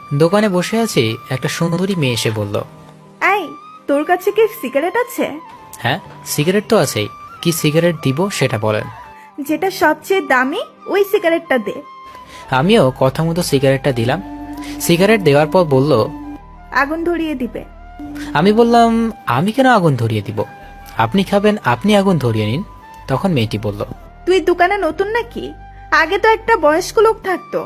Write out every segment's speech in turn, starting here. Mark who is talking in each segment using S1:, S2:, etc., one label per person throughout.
S1: দোকানে বসে আছি, একটা সুন্দরী মেয়ে এসে বলল,
S2: এই, তোর কাছে কি সিগারেট আছে?
S1: হ্যাঁ, সিগারেট তো আছেই। কি সিগারেট দিব সেটা বলেন।
S2: যেটা সবচেয়ে দামি ওই সিগারেটটা দে।
S1: আমিও কথা মতো সিগারেটটা দিলাম। সিগারেট দেওয়ার পর বলল,
S2: আগুন ধরিয়ে দিবে।
S1: আমি বললাম, আমি কেন আগুন ধরিয়ে দিব? আপনি খাবেন, আপনি আগুন ধরিয়ে নিন। তখন মেয়েটি বলল,
S2: তুই দোকানে নতুন নাকি? আগে তো একটা বয়স্ক লোক থাকতো।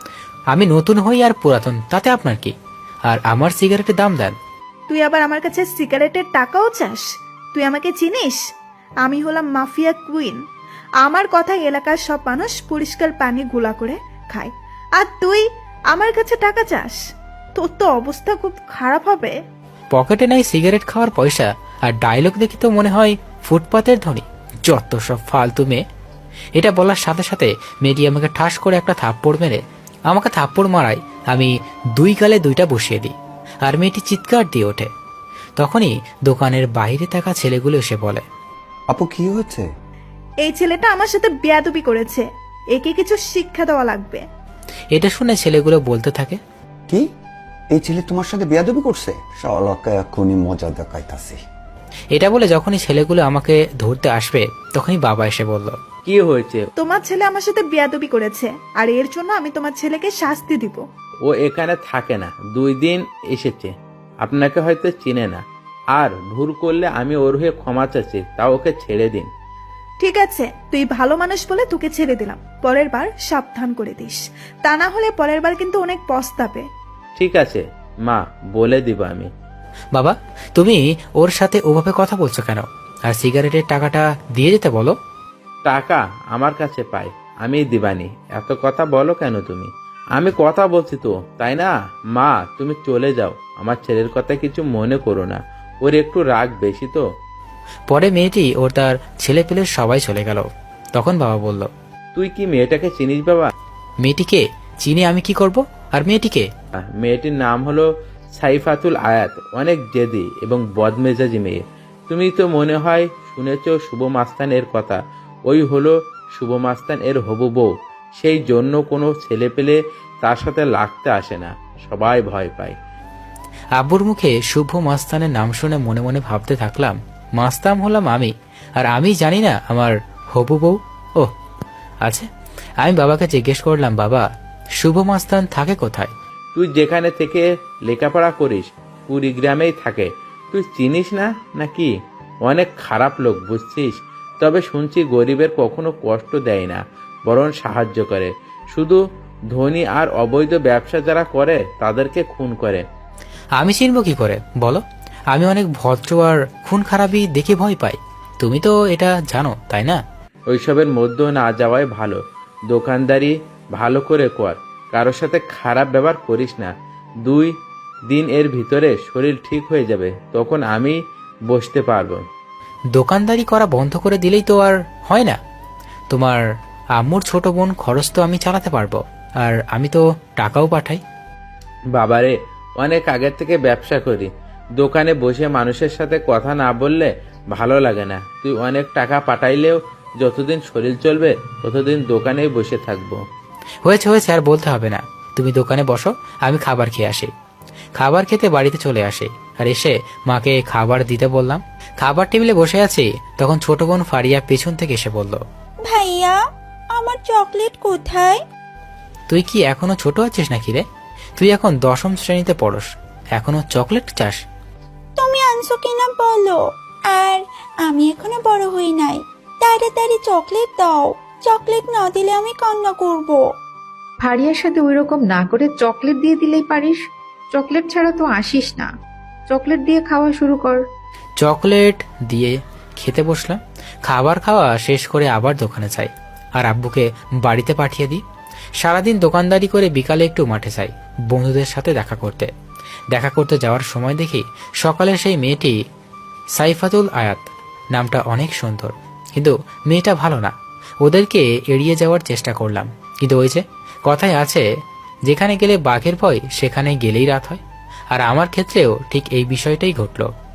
S1: আমি নতুন হই আর পুরাতন তাতে আপনার কি? আর আমার সিগারেটের দাম দেন।
S2: তুই আবার আমার কাছে সিগারেটের টাকাও চাস? তুই আমাকে চিনিস? আমি হলাম মাফিয়া কুইন। আমার কথা এলাকার সব মানুষ পরিষ্কার পানি গুলা করে খায়, আর তুই আমার কাছে টাকা চাস? তোর তো অবস্থা খুব খারাপ হবে।
S1: পকেটে নাই সিগারেট খাওয়ার পয়সা, আর ডায়লগ দেখি তো মনে হয় ফুটপাতের ধনী। যত সব ফালতু মেয়ে। এটা বলার সাথে সাথে মেয়েটি আমাকে ঠাস করে একটা থাপ্পড় মেরে আমাকে থাপ্পড় মারায় আমি দুই গালে দুইটা বসিয়ে দিই, আর মেয়েটি চিৎকার দিয়ে ওঠে। তখনই দোকানের বাইরে থাকা ছেলেগুলো এসে বলে,
S3: আপু কি হয়েছে?
S2: এই ছেলেটা আমার সাথে বেয়াদবি করেছে, একে কিছু শিক্ষা দেওয়া লাগবে।
S1: এটা শুনে ছেলেগুলো বলতে থাকে,
S3: কি, এই ছেলে তোমার সাথে বেয়াদবি করছে? শালাকে এখনই মজা দেখাইতাছি।
S1: এটা বলে যখনই ছেলেগুলো আমাকে ধরতে আসবে তখনই বাবা এসে বলল,
S4: কি হয়েছে?
S2: তোমার ছেলে আমার সাথে বেয়াদবি করেছে, আর এর জন্য আমি তোমার ছেলেকে শাস্তি দিব।
S4: ও এখানে থাকে না, 2 দিন এসেছে, আপনাকে হয়তো চিনে না। আর ভুল করলে আমি ওর হয়ে ক্ষমা চাচ্ছি, তা ওকে ছেড়ে দিন।
S2: ঠিক আছে, তুই ভালো মানুষ বলে তোকে ছেড়ে দিলাম। পরের বার সাবধান করে দিস, তা না হলে পরের বার কিন্তু অনেক পস্তাবে।
S4: ঠিক আছে মা, বলে দিব আমি।
S1: বাবা, তুমি ওর সাথে ওভাবে কথা বলছো কেন? আর সিগারেটের টাকাটা দিয়ে যেতে বলো।
S4: টাকা আমার কাছে পাই, আমি দিবানি। এত কথা বলো কেন তুমি? আমি কথা বলছি তো, তাই না? মা, তুমি চলে যাও, আমার ছেলের কথা কিছু মনে করো না, ওর একটু রাগ বেশি তো।
S1: পরে মেয়েটি ওর তার ছেলে পেলে সবাই চলে গেল। তখন বাবা বলল,
S4: তুই কি মেয়েটাকে চিনিস বাবা?
S1: মেয়েটিকে চিনি আমি কি করব? আর মেয়েটিকে?
S4: মেয়েটির নাম হলো সাইফাতুল আয়াত, অনেক জেদি এবং বদমেজাজি মেয়ে। তুমি তো মনে হয় শুনেছ শুভ মাস্তান এর কথা। ওই হলো শুভ মাস্তান এর হবু বউ। সেই জন্য কোনো ছেলে পেলে তার সাথে লাগতে আসে না, সবাই ভয় পায়।
S1: আব্বুর মুখে শুভ মাস্তানের নাম শুনে মনে মনে ভাবতে থাকলাম, মাস্তান হলাম আমি, আর আমি জানি না আমার হবু বউ। ও আচ্ছা, আমি বাবাকে জিজ্ঞেস করলাম, বাবা, শুভ মাস্তান থাকে কোথায়?
S4: তুই যেখানে থেকে লেখাপড়া করিস কুড়িগ্রামেই থাকে। তুই চিনিস না নাকি? অনেক খারাপ লোক, বুঝছিস? তবে শুনছি গরিবের কখনো কষ্ট দেয় না, বরং সাহায্য করে। শুধু ধনী আর অবৈধ ব্যবসা যারা করে তাদেরকে খুন করে।
S1: আমি চিনব কি করে বলো? আমি অনেক ভদ্র, আর খুন খারাপি দেখে ভয় পাই। তুমি তো এটা জানো, তাই না?
S4: ওইসবের মধ্যে না যাওয়াই ভালো। দোকানদারি ভালো করে কর, কারোর সাথে খারাপ ব্যবহার করিস না। 2 দিন এর ভিতরে শরীর ঠিক হয়ে যাবে, তখন আমি বসতে পারবো।
S1: দোকানদারি করা বন্ধ করে দিলেই তো আর হয় না। তোমার আম্মুর ছোট বোন খরচ তো আমি চালাতে পারবো, আর আমি তো টাকাও পাঠাই।
S4: বাবারে, অনেক আগের থেকে ব্যবসা করি। দোকানে বসে মানুষের সাথে কথা না বললে ভালো লাগে না। তুই অনেক টাকা পাঠাইলেও যতদিন শরীর চলবে ততদিন দোকানেই বসে থাকবো।
S1: হয়েছে হয়েছে, আর বলতে হবে না। তুমি দোকানে বসো, আমি খাবার খেয়ে আসি। খাবার খেতে বাড়িতে চলে আসে, আর এসে মাকে খাবার দিতে বললাম। খাবার টেবিলে বসে আছি, তখন ছোট বোন ফারিয়া পেছন থেকে এসে বলল,
S5: ভাইয়া, আমার চকলেট কোথায়?
S1: তুই কি এখনো ছোট আছিস নাকি রে? তুই এখন 10ম শ্রেণীতে পড়স, এখনো চকলেট চাস?
S5: তুমি আনছো কিনা বলো। আর আমি এখনো বড় হই নাই, তাড়াতাড়ি চকলেট দাও। চকলেট না দিলে আমি কান্না করব।
S6: ফারিয়ার সাথে ওইরকম না করে চকলেট দিয়ে দিলেই পারিস। চকলেট ছাড়া তো আসিস না। চকলেট দিয়ে খাওয়া শুরু কর।
S1: চকলেট দিয়ে খেতে বসলাম। খাবার খাওয়া শেষ করে আবার দোকানে যাই, আর আব্বুকে বাড়িতে পাঠিয়ে দিই। সারাদিন দোকানদারি করে বিকালে একটু মাঠে যাই বন্ধুদের সাথে দেখা করতে যাওয়ার সময় দেখি সকালে সেই মেয়েটি সাইফাতুল আয়াত, নামটা অনেক সুন্দর, কিন্তু মেয়েটা ভালো না। ওদেরকে এড়িয়ে যাওয়ার চেষ্টা করলাম, কিন্তু ওই যে কথায় আছে, যেখানে গেলে বাঘের ভয় সেখানে গেলেই রাত হয়। আর আমার ক্ষেত্রেও ঠিক এই বিষয়টাই ঘটল।